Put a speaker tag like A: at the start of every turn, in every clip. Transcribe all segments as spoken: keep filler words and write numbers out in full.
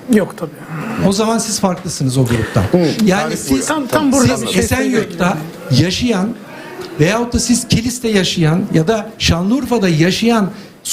A: Yok tabii.
B: O zaman siz farklısınız o gruptan. Yani
C: Tarih
B: siz,
A: Tam- tam burada
B: siz
A: bir şey
B: Esenyurt'ta yaşayan veyahut da siz Kilis'te yaşayan ya da Şanlıurfa'da yaşayan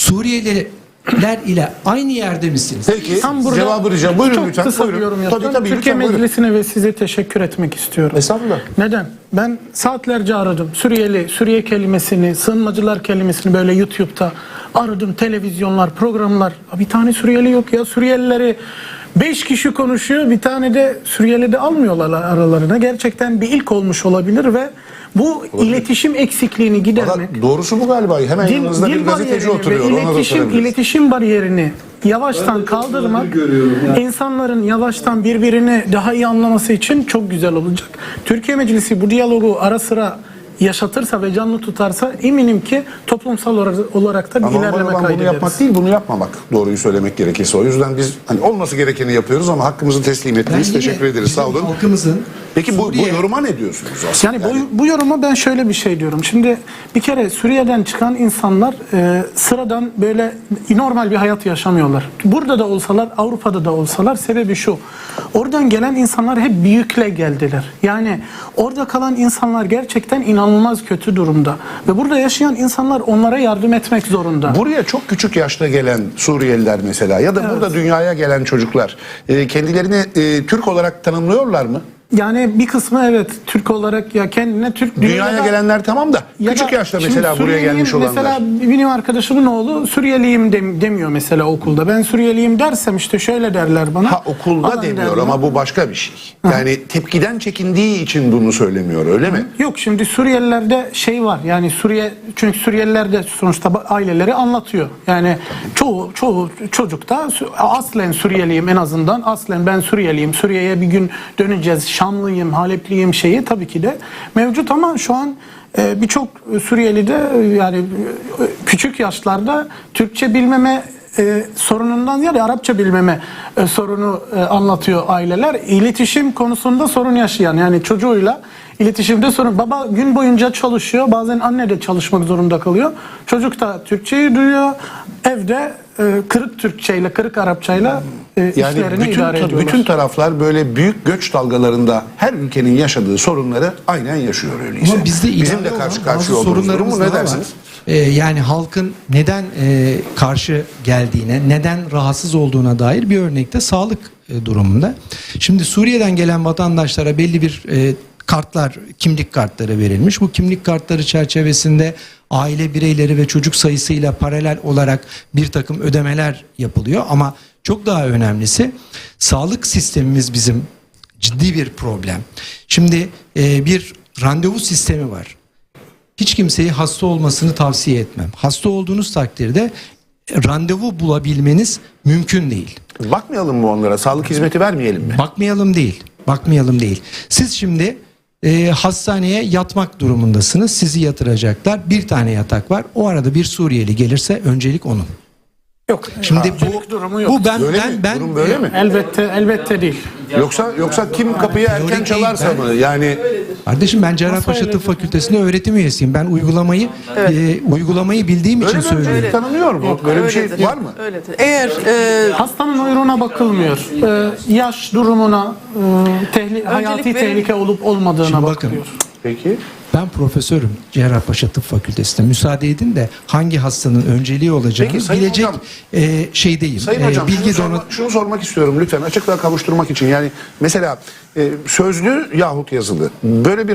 B: Suriyeliler ile aynı yerde misiniz?
C: Peki
A: Tam burada
C: cevabı rica. Buyurun
A: çok
C: lütfen.
A: kısa bir
C: Buyurun.
A: yorum
C: Tabii
A: yapacağım.
C: tabii.
A: Türkiye
C: lütfen, buyurun.
A: Meclisi'ne ve size teşekkür etmek istiyorum.
C: Estağfurullah.
A: Neden? Ben saatlerce aradım. Suriyeli, Suriye kelimesini, sığınmacılar kelimesini böyle YouTube'da aradım. Televizyonlar, programlar. Bir tane Suriyeli yok ya. Suriyelileri beş kişi konuşuyor. Bir tane de Suriyeli de almıyorlar aralarına. Gerçekten bir ilk olmuş olabilir ve bu iletişim eksikliğini gidermek.
C: Valla doğrusu bu galiba. Hemen
A: Dil,
C: yanınızda bir
A: dil
C: gazeteci
A: bariyerini
C: oturuyor.
A: ve
C: Ona da
A: iletişim,
C: sorabiliriz.
A: iletişim bariyerini yavaştan kaldırmak insanların yavaştan birbirini daha iyi anlaması için çok güzel olacak. Türkiye Meclisi bu diyalogu ara sıra yaşatırsa ve canlı tutarsa eminim ki toplumsal olarak da bir
C: Ama normal
A: ilerleme
C: olan bunu
A: kaydederiz.
C: yapmak değil, bunu yapmamak. Doğruyu söylemek gerekirse. O yüzden biz hani olması gerekeni yapıyoruz ama hakkımızı teslim
B: Ben
C: ettiniz.
B: yine
C: Teşekkür ederiz. Sağ
B: bizim
C: olun.
B: Halkımızın
C: Peki bu, bu
B: Suriye-
C: yoruma ne diyorsunuz aslında?
A: Yani bu, bu yoruma ben şöyle bir şey diyorum. Şimdi bir kere Suriye'den çıkan insanlar e, sıradan böyle normal bir hayat yaşamıyorlar. Burada da olsalar, Avrupa'da da olsalar sebebi şu. Oradan gelen insanlar hep büyükle geldiler. Yani orada kalan insanlar gerçekten inanılmaz kötü durumda. Ve burada yaşayan insanlar onlara yardım etmek zorunda.
C: Buraya çok küçük yaşta gelen Suriyeliler mesela ya da burada dünyaya gelen çocuklar e, kendilerini e, Türk olarak tanımlıyorlar mı?
A: Yani bir kısmı evet Türk olarak ya kendine Türk
C: Dünyaya
A: dünyada-
C: gelenler tamam da
A: Ya
C: küçük
A: da
C: yaşta
A: şimdi
C: mesela buraya
A: Suriyeliyim,
C: gelmiş olanlar.
A: Mesela benim arkadaşımın oğlu Suriyeliyim dem- demiyor mesela okulda. Ben Suriyeliyim dersem işte şöyle derler bana.
C: Ha okulda
A: falan
C: demiyor
A: derler.
C: ama bu başka bir şey. Yani tepkiden çekindiği için bunu söylemiyor öyle mi?
A: Yok şimdi Suriyelilerde şey var yani Suriye çünkü Suriyeliler de sonuçta ba- aileleri anlatıyor. Yani çoğu çoğu çocuk da Sü- aslen Suriyeliyim en azından aslen ben Suriyeliyim. Suriye'ye bir gün döneceğiz. Şamlıyım, Halepliyim şeyi tabii ki de mevcut ama şu an e, birçok Suriyeli de e, yani e, küçük yaşlarda Türkçe bilmeme e, sorunundan ziyade Arapça bilmeme e, sorunu e, anlatıyor aileler. İletişim konusunda sorun yaşayan yani çocuğuyla iletişimde sorun. Baba gün boyunca çalışıyor. Bazen anne de çalışmak zorunda kalıyor. Çocuk da Türkçeyi duyuyor. Evde e, kırık Türkçeyle, kırık Arapçayla e,
C: Yani
A: işlerini
C: bütün,
A: idare ediyorlar.
C: bütün taraflar böyle büyük göç dalgalarında her ülkenin yaşadığı sorunları aynen yaşıyor öyleyse.
B: Ama bizde
C: Bizim
B: ilave
C: de
B: olan
C: karşı
B: bazı
C: karşıya olduğumuz durum
B: sorunlarımız
C: mu? Ne
B: daha var.
C: dersiniz?
B: Ee, yani halkın neden e, karşı geldiğine, neden rahatsız olduğuna dair bir örnekte sağlık e, durumunda. Şimdi Suriye'den gelen vatandaşlara belli bir e, kartlar, kimlik kartları verilmiş. Bu kimlik kartları çerçevesinde aile bireyleri ve çocuk sayısıyla paralel olarak bir takım ödemeler yapılıyor. Ama çok daha önemlisi sağlık sistemimiz bizim ciddi bir problem. Şimdi e, bir randevu sistemi var. Hiç kimseyi hasta olmasını tavsiye etmem. Hasta olduğunuz takdirde randevu bulabilmeniz mümkün değil.
C: Bakmayalım mı onlara? Sağlık hizmeti vermeyelim mi?
B: Bakmayalım değil. Bakmayalım değil. Siz şimdi e, hastaneye yatmak durumundasınız. Sizi yatıracaklar. Bir tane yatak var. O arada bir Suriyeli gelirse öncelik onun.
A: Yok.
B: Şimdi
A: Öncelik
B: bu
A: durumu yok.
B: bu ben
C: Böyle
B: ben
C: mi?
B: ben
C: Durum böyle mi?
A: Elbette elbette değil.
C: Yoksa yoksa kim kapıyı erken
B: Teorik
C: çalarsa
B: değil, ben-
C: mı? Yani
B: Kardeşim ben Cerrahpaşa Tıp Fakültesi'nde öğretim üyesiyim. Ben uygulamayı e, uygulamayı bildiğim için
C: öyle bir
B: söylüyorum.
C: öncelik tanınıyor mu? Böyle bir şey
D: Öyledir.
C: var mı?
D: Öyledir. Eğer e,
A: Hastanın uyruğuna bakılmıyor. Ee, yaş durumuna, e, tehli- hayati
D: verin.
A: tehlike olup olmadığına
B: Şimdi bakın.
A: bakılıyor.
C: Peki.
B: Ben profesörüm Cerrahpaşa Tıp Fakültesi'nde. Müsaade edin de hangi hastanın önceliği olacağını
C: Peki, Sayın
B: bilecek
C: Hocam.
B: e, şeydeyim.
C: Sayın
B: E,
C: Hocam
B: bilgi
C: şunu,
B: donu
C: sorma- şunu sormak istiyorum lütfen açıklığa kavuşturmak için. Yani mesela e, sözlü yahut yazılı böyle bir